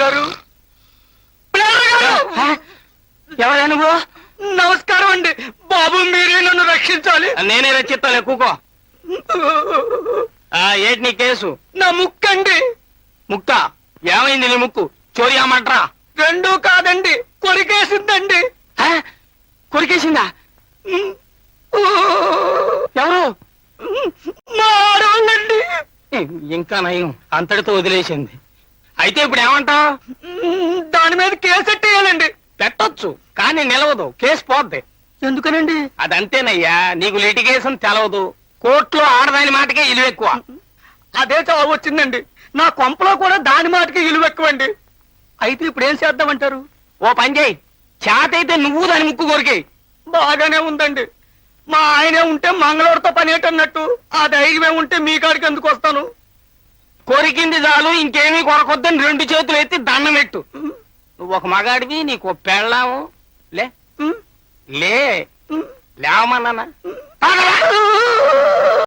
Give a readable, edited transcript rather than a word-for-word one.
గారు ఎవరా నువ్వు? నమస్కారం అండి బాబు, మీరే నన్ను రక్షించాలి. నేనే రచిస్తాను, కూకో. ఏంటి నీ కేసు? నా ముక్కండి. ముక్క ఏమైంది నీ ముక్కు? చోరీ అమ్మంటరా? రెండూ కాదండి, కొరికేసిందండి. కొరికేసిందా? ఎవరు? మా ఆడవాళ్ళండి. ఇంకా నయం, అంతటితో వదిలేసింది. అయితే ఇప్పుడు ఏమంటావు? దాని మీద కేసెట్టేయాలండి. పెట్టొచ్చు, కానీ నిలవదు, కేసు పోద్ది. ఎందుకనండి? అదంతేనయ్యా, నీకు లిటిగేషన్ తెలవదు. కోర్టులో ఆడదాని మాటకే ఇలువ ఎక్కువ. అదే చావు వచ్చిందండి. నా కొంపలో కూడా దాని మాటకి ఇలువ ఎక్కువండి. అయితే ఇప్పుడు ఏం చేద్దామంటారు? ఓ పని చేయి, చేతైతే నువ్వు దాని ముక్కు కొరికేయి. బాగానే ఉందండి. మా ఆయనే ఉంటే మంగళూరుతో పని ఏంటన్నట్టు, ఆ ధైర్యమే ఉంటే మీ కాడికి ఎందుకు వస్తాను? కొరికింది చాలు, ఇంకేమీ కొరకొద్దని 2 చేతులు ఎత్తి దండం పెట్టు. నువ్వు ఒక మగాడివి, నీకు పెళ్ళాము. లే లేవమన్నానా?